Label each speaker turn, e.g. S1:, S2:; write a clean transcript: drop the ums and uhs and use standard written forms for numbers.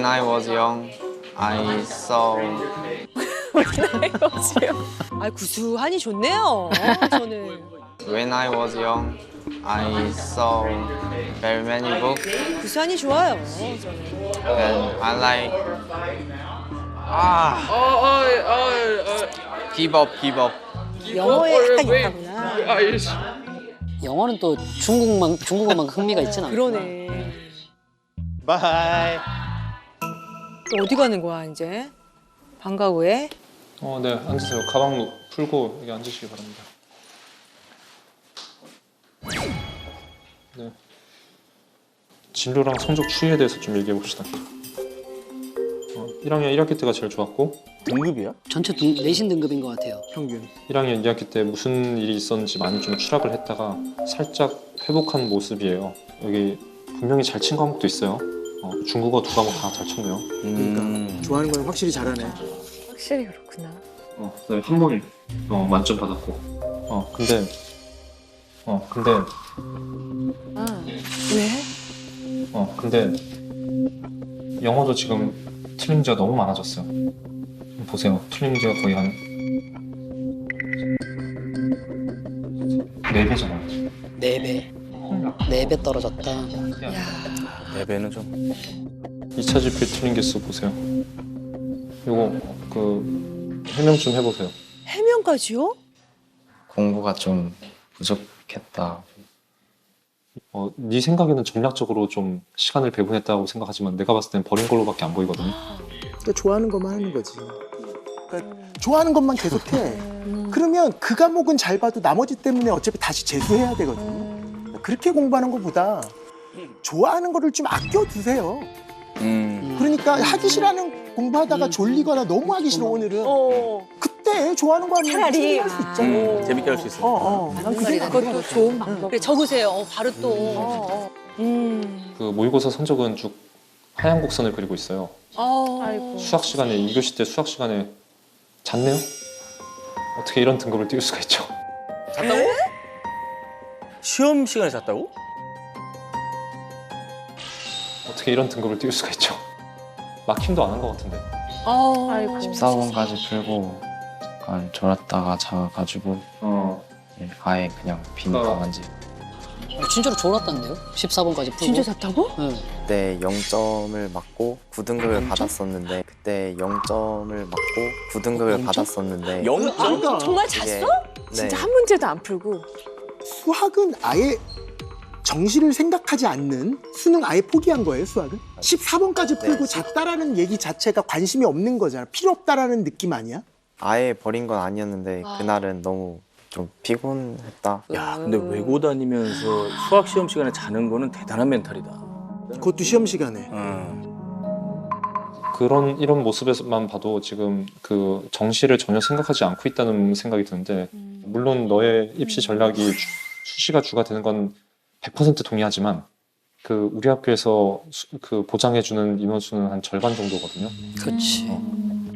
S1: When I was young, I saw.
S2: 아 구수하니 좋네요. 저는.
S1: When I was young, I saw very many books,
S2: 구수하니 좋아요. 저는.
S1: and I like. Give up, give up.
S2: 영어에 약간 있다구나.
S3: 영어는 또 중국어만 흥미가 있진 않아.
S2: 그러네.
S4: 바이.
S2: 또 어디 가는 거야 이제? 방과 후에?
S5: 네, 앉으세요. 가방 풀고 여기 앉으시기 바랍니다. 네. 진로랑 성적 추이에 대해서 좀 얘기해 봅시다. 1학년 1학기 때가 제일 좋았고,
S4: 등급이야?
S3: 전체 내신 등급인 것 같아요.
S4: 평균.
S5: 1학년 2학기 때 무슨 일이 있었는지 많이 좀 추락을 했다가 살짝 회복한 모습이에요. 여기 분명히 잘 친 과목도 있어요. 중국어 2과목 다 잘 쳤네요.
S4: 그러니까 좋아하는 건 확실히 잘하네.
S2: 확실히 그렇구나.
S5: 그다음에 한번에 만점 받았고. 근데
S2: 아 왜?
S5: 근데 영어도 지금 틀린 문제가 너무 많아졌어요. 보세요. 틀린 문제가 거의 한 4배잖아요.
S3: 4배. 4배 떨어졌다.
S4: 내 배는 좀.
S5: 2차 지필 틀린 개수 보세요. 요거 해명 좀 해보세요.
S2: 해명까지요?
S1: 공부가 좀 부족했다.
S5: 네 생각에는 전략적으로 좀 시간을 배분했다고 생각하지만 내가 봤을 땐 버린 걸로밖에 안 보이거든요.
S4: 그러니까 좋아하는 것만 하는 거지. 그러니까 좋아하는 것만 계속해. 그러면 그 과목은 잘 봐도 나머지 때문에 어차피 다시 재수해야 되거든. 그렇게 공부하는 것보다 좋아하는 거를 좀 아껴두세요. 그러니까 하기 싫어하는 공부하다가 졸리거나 너무 하기 싫어 오늘은. 그때 좋아하는 거 하면
S2: 차라리.
S4: 할수 있잖아.
S6: 재밌게 할 수 있어.
S2: 난 그게 그것도 좋은 방법. 그래 적으세요. 바로 또.
S5: 그 모의고사 성적은 쭉 하얀 곡선을 그리고 있어요.
S2: 아이고.
S5: 수학 시간에 2교시 때 수학 시간에 잤네요? 어떻게 이런 등급을 띄울 수가 있죠?
S6: 잤다고? 시험 시간에 잤다고?
S5: 어떻게 이런 등급을 띄울 수가 있죠? 막힘도 안 한 것 같은데.
S2: 아이고.
S1: 14번까지 풀고 잠깐 졸았다가 자가지고 아예 그냥 빈 방한지.
S3: 진짜로 졸았다는데요? 14번까지 풀고.
S2: 진짜 잤다고?
S3: 응.
S7: 그때 0점을 맞고 9등급을 받았었는데 그때 0점을 맞고 9등급을 받았었는데
S6: 0점?
S2: 정말
S7: 이게-
S2: 잤어?
S7: 네.
S8: 한 문제도 안 풀고.
S4: 수학은 아예 정시를 생각하지 않는 수능 아예 포기한 거예요, 수학은? 14번까지 풀고
S7: 네.
S4: 잤다라는 얘기 자체가 관심이 없는 거잖아. 필요 없다라는 느낌 아니야?
S7: 아예 버린 건 아니었는데 그날은 너무 좀 피곤했다.
S6: 야, 근데 외고 다니면서 수학 시험 시간에 자는 거는 대단한 멘탈이다.
S4: 그것도 시험 시간에.
S5: 이런 모습에서만 봐도 지금 그 정시를 전혀 생각하지 않고 있다는 생각이 드는데, 물론 너의 입시 전략이 수시가 주가 되는 건 100% 동의하지만 우리 학교에서 보장해주는 인원수는 한 절반 정도거든요.
S3: 그렇지.